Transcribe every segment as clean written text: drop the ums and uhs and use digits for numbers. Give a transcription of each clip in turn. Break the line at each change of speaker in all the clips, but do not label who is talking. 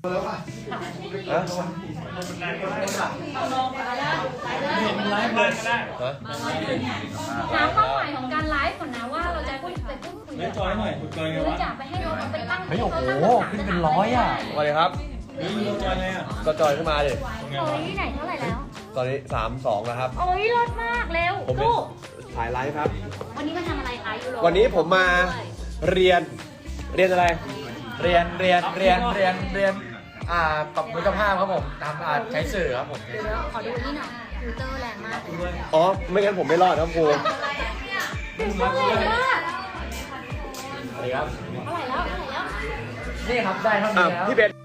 หาเป้าหมายของการไลฟ์ก่อนนะว่าเราจะพูดไปพูดคุยหรือจะไปให้น้องเอาไปตั้งโอ้โหขึ้นเป็น100 อ่ะ
สวัสดีครับก็จอยขึ้นมาดิ
โอ้ยที่ไหนเท่าไหร่แล้ว
ตอนนี้3-2แล้วครับ
โอ้ยรถมากเร็วลูก
ถ่ายไลฟ์ครับ
วันนี้มาทำอะไรคะยูโร
วันนี้ผมมาเรียนอะไร
เรียนปรับมิตรภาพครับผมทำใช้สื่อครับผม
เดี๋ยวขอดูนี่หน่อยฟิลเตอร์แรงมาก
อ๋อไม่งั้นผมไม่รอดครับครู
ฟิลเตอร์แรงมาก
อะไรครับ
เท่าไหร่แล้ว
นี่ครับได้เท่านี้แล้ว
พี่เบน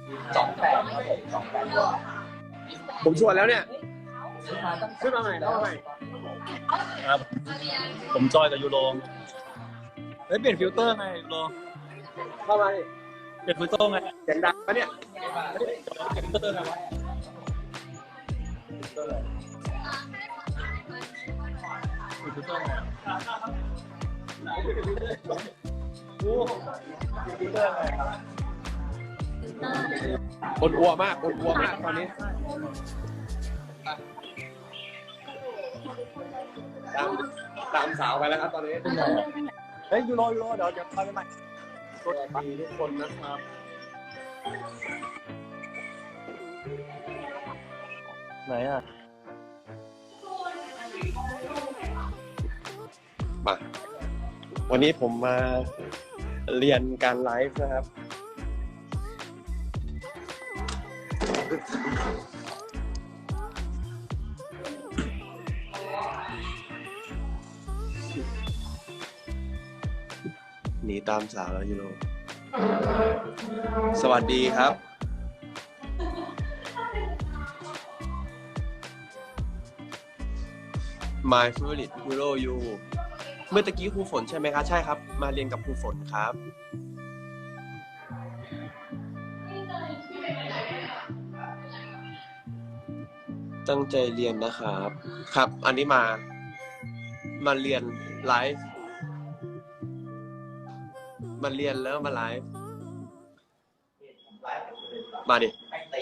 ผมชวนแล้วเนี่ยขึ้นมาใหม่
ครับผมจอยกับยูโรเฮ้ยเปลี่ยนฟิลเตอร์ไงยูโร
เข้ามาดิ
เปลี่ยนฟิลเตอร์ไง
เสียงดังปะเนี่ย
เปลี่ยนฟิลเตอร์ไงวะฟิลเตอร์ไง
คนอัวมากตอนนี้ตามสาวไปแล้วครับตอนนี้
เฮ้ยยูโรเดี๋ยวไปใหม่
สวัสดีทุกคนนะครับ
ไหนอ่ะ
มาวันนี้ผมมาเรียนการไลฟ์นะครับหนีตามสาวแล้วยูโรสวัสดีครับ My favorite hero you เมื่อตะกี้ครูฝนใช่ไหมคะใช่ครับมาเรียนกับครูฝนครับตั้งใจเรียนนะครับครับอันนี้มาเรียนไลฟ์มาเรียนแล้วมาไลฟ์มาดิ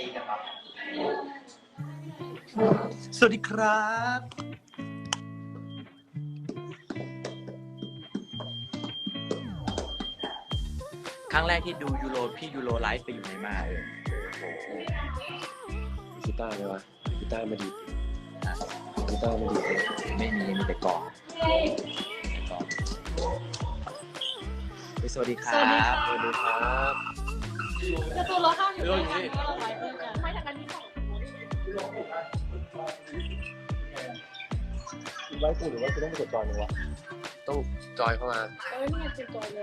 สวัสดีครับ
ครั้งแรกที่ดูพี่ยูโรไลฟ์ไปอยู่ไหนมา
กีตาร์ไหมวะกีตาร์มาดีกีตาร์มาดี
ไม่มีแต่กล่องสวัสดีครับ
สวัสดีครับ
จะตัวเราข้ามอยู่ในทางที่เราไลฟ์ด้วยกันไม่ทางกันที่สอง
ไลฟ์กูหรือว่ากูต้องกดจอยมั้ยวะต้องจอยเข้ามา
นี่เป็นจอยแล้ว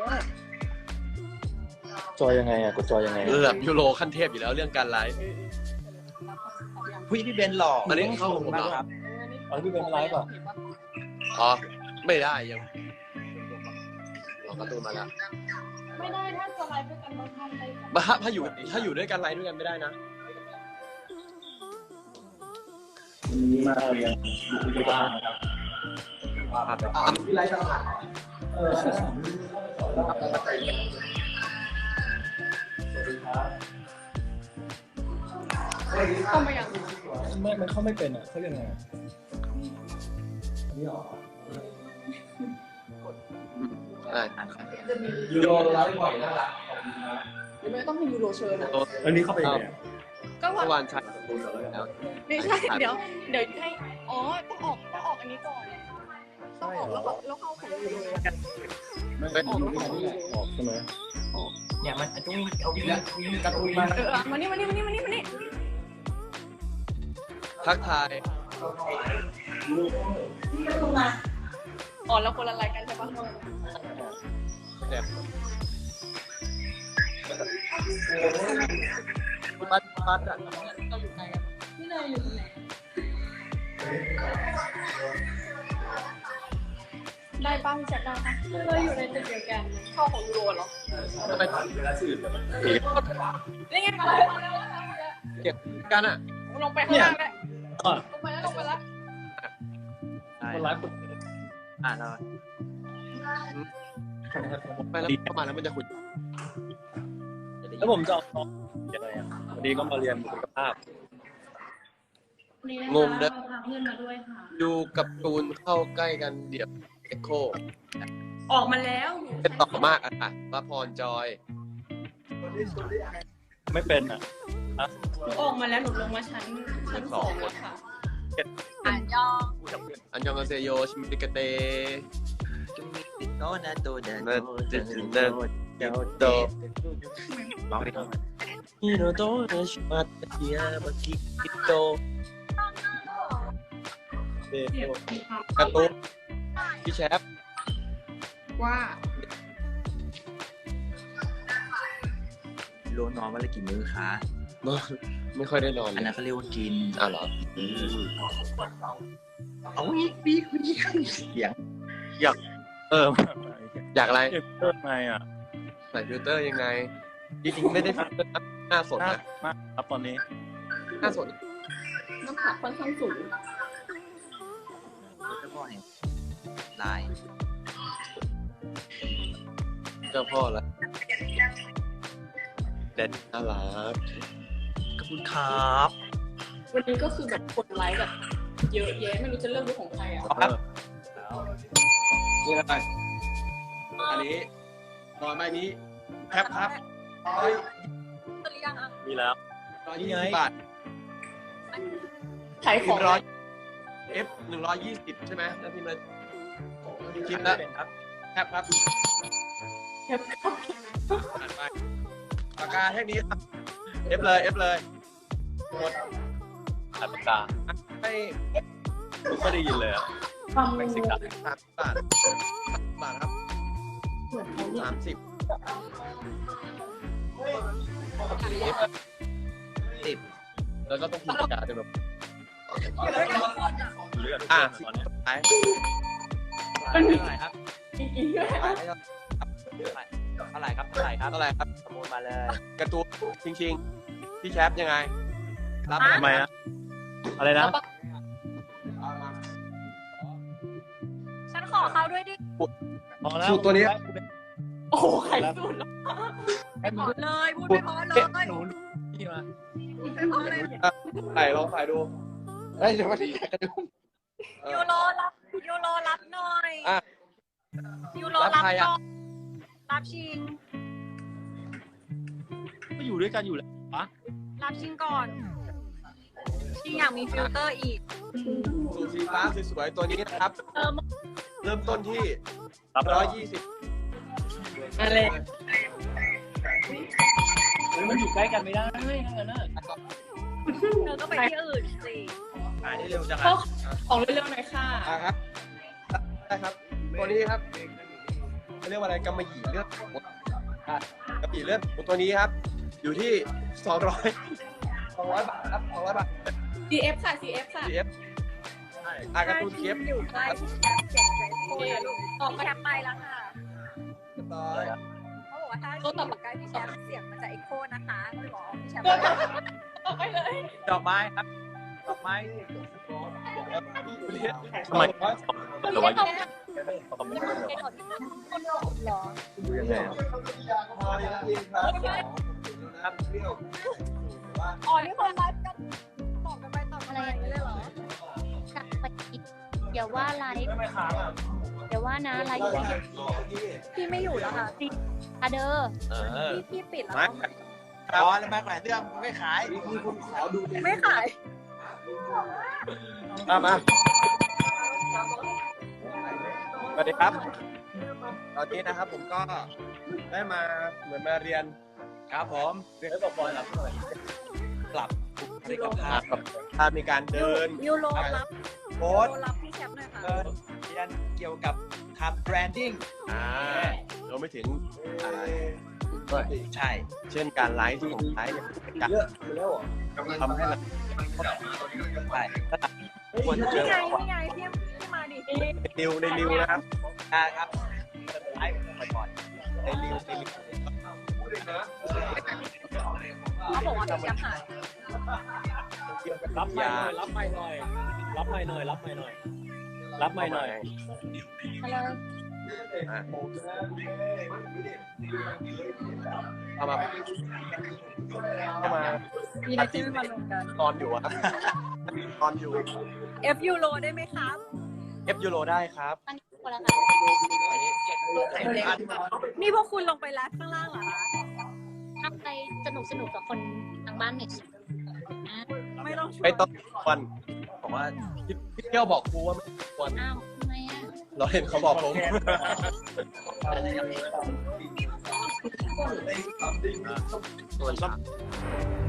จอยยังไงอ่ะกดจอยยังไง
ระดับยูโรขั้นเทพอยู่แล้วเรื่องการไลฟ์
พี่เบนหล่อ
อันนี้เข้าผมแล้วครับ
พี่เบนไลฟ์ป่ะ
อ๋อไม่ได้ยังเราก็ตูนมาแล้ว
ไม่ได้ถ้าจะไลฟ์ด้วยกันเราทำ
ได้ถ้าอยู่ด้วยกันไลฟ์ด้วยกันไม่ได้นะ
มาเรียนดูบ้านนะครับ
ที่ไลฟ์ต่างหาก
เข้ามาอย่าง
มันเข้าไม่เป็นอ่ะเขาเรียกไงนี่หรอ
ยูโรไลฟ์บ่อยน่ารัก
ยังไม่ต้องให้ยูโรเชิญนะ
อันนี้เข้าไปไง
ก็
เมื่อวานใช่
ไม่ใช่เดี๋ยวให้อ๋อต้องออกอันนี้ก่อนต้องออกแล้วเข้าของยูโร
ไม่เป็นยูโรออกใช่ไหม
เนี่ยมันต้องเอาวิ่งกระตุยมา
มานี่
ทักทาย
อ๋อแล้วคนละรายกันใช่ปะ
เนี่ยปัดอ่ะ
เราอยู่ไกลกันพี่เนยอยู่ตรงไหนได้ป้าพี่แจ็คได้ปะเราอยู่ในตึกเดียวกันเข้าของยูโรเหรอ
ทำไมถึงเวลาสื่อ
นี่ไงมาแล้ว
เก็บกันอ่ะ
ลงไปข้างล่างแล้วลงไปแล้ว
คนไลฟ์
แล้ว
ไปแล้วเข้ามาแล้วมันจะคุย
แล้วผมจะอะไรอ่ะวันนี้ก็มาเรียนบุคลิกภาพ
งงเด้อ
พาเพื่อนมาด้วยค่ะ
ดูกับตูนเข้าใกล้กันเดี๋ยวเอ็กโค
ออกมาแล้ว
เป็นต่อมากอ่ะละพรจอย
ไม่เป็นอ่ะ
หนูออกมาแล้วหนูลงมาชั้น2แล้วค่ะอ่านย่อ
อันยองอาเซโยชิมิกาเต
โนนาโตเดน
เดินเดินเดินเดินโต
ร้องดิครับ
ฮิโนโตะชิมาตะเกียบากิคิโตเดโตกระตุ้นพี่แชฟ
ว่า
โลนอนวันละกี่มื้อคะ
ไม่ค่อยได้นอน
อันนั้นเขาเรียกว่ากิน
อ้าวเหรอ
เอาวิกเสียง
เออ
อยากอะไร
เก็บเพิ่มไงอ่ะ
ใส่ฟิลเตอร์ยังไงจริงๆไม่ได้ฟิลเตอร์หน้าสด
น่า
นะ
มากครับตอนนี้
หน้าสด
น้ำผักค่อนข้างสูง
เจ้าพ่อแห่งลาย
เจ้าพ่อละเด็ดน่ารัก
ขอบคุณครับ
วันนี้ก็คือแบบกดไลค์แบบเยอะแยะไม่รู้จะเลือกดูของใครอ่ะ
นี่อะไรอันนี้นอนไม้นี้แคปครับ
มีแล้ว
120 บาท
ขายของ
F 120ใช่ไหมแล้วพิมพ์เลยพิมพ์แล้วแคปครับ
แคปครับ
อ่านไปปากกาแค่นี้ครับ F เลย F เลยหมด
อัตตา
ให้
ไม่ค่อยได้ยินเลยอ่ะ
ฟัง
เม็กซิกัน
30 บาทบาทครับ
เหมือนเขาเนี่ย
30
10
แล้วก็ต้องพิมพ์ปากกาด้วยแบบ
เลือด
อ่ะ
ตอนนี้
สุดท้าย
เท่าไหร่ครับ
อีกด้วย
เท่าไหร่ครับเท่าไหร่ครับ
เท่าไหร่ครับ
ขโมยมาเลย
การ์ตูนชิงพี่แชปยังไง รับ
ทำไมอะอะไรนะ
เอามา
ฉันขอเขาด้วยดิ
พอแล้ว
สูตรตัวนี้
โอ้ไข่สุดแล้ว
ขอเลยพูดไม่พอเลย
หนูนี่มา
ไม่พอเลย
ใส่ลองใส่ดูเฮ้ยเดี๋ยวมาที่กระดุม
ยูโรรับหน่อย
อ่ะ
ยูโร
รับ
รับ
ใคร
หน่
อ่ะ
อยรับชิง
ก็อยู่ด้วยกันอยู่แล้วปะ
รับชิงก่อน ชิงอยากมีฟิลเตอร์อีก
สูตรสีฟ้าสวยๆตัวนี้นะครับ เริ่มต้นที่
รับแล้ว
120
อะไร
มันอยู่ใกล้กันไม่ได้ทั้งนั้นน่ะ
เธอก็ไปที่อื่นสิ
ขายได้เร็วจัง
ขอ
อ่ะ
ของเร็วๆหน่อยค่ะ
ครับได้ครับ ตัวนี้ครับเขาเรียกว่าอะไรกำมะหยี่เลือดหมูกำมะหยี่เลือดหมูตัวนี้ครับ อยู่ที่200 บาทครับ200 บาท
CF ค่ะ CF ค่ะ
CF การ์ตูนเคฟ
อยู่ใกล้พี่แชมป์เสียงใจโคตรลูก
ออก
พี่
มา
แชมป์ไปแล้วค่ะ
เรียบร้อย
เขาบอกว่าถ้าอยู่ใกล้พี่แชมป์เสียงมันจะเอ็กโคนะคะก็เลยบอกพี่แชมป์
ออกไปเลย
ดอกไม้ครับดอกไม้
ทำไมแต่ว่า
หรอ
ดูยังไงอะ
อ๋อนี่คนไลฟ์กันตอบกันไปตอบกันมาอย่างนี้เลยเหรอ
อย่าว่าไลฟ์อย่าว่านะไลฟ์
พี่ไม่อยู่แล้วค่ะ
อะเดอร์
พี่ปิดแล้ว
อ๋อแล้วมาหลายเรื่องไม่ขาย
ไม่ขาย
มาสวัสดีครับ ตอนนี้นะครับผมก็ได้มาเหมือนมาเรียน
ครับผมเรื่องกับบอลรับหน่อยปรับบุคลิกภาพ
ถ้ามีการเดิน
ยูโรรับ
โค้ด
ยูโรรับพี่แชมป์หน่อยค่ะ
เรียนเกี่ยวกับทำแบรนดิ้ง
รวมไปถึง
ใช่
เช่นการไลฟ์ที่ผมไลฟ์เนี่ยการทำให้เรา
ใช่ควรจะเจ
นี่
อ
ไงนี่ไงพี่มาดิ
ในนิวนะครับ
ครับไลฟ์บ่อยๆในริว
เขาบอกว่าพี่แชมป์หาย
รับไม่หน่อยรับไม่หน่อยรับไม่หน่อยรับไม่หน่อยรับไม่หน่อย
ฮัลโหล
เอามา
มีอะไรที่ไม่มาลงกัน
ตอนอยู่อะตอนอยู่
F ยูโรได้ไหมครับ
F ยูโรได้ครับ
ตั้งคนละค่ะ
นี่พวกคุณลงไปไลฟ์ข้างล่างเหรอคะ
ทำไปสนุกกับคนทางบ้านหน่อยสิอ่ะ
ไม่ต้องชว
ไม่
น
ต้องควรบอกว่าพี่เที่ยวบอกครูว่าไม่ควร
อ้าวทำไมอ่ะ
เราเห็นเขาบอกผมส่วน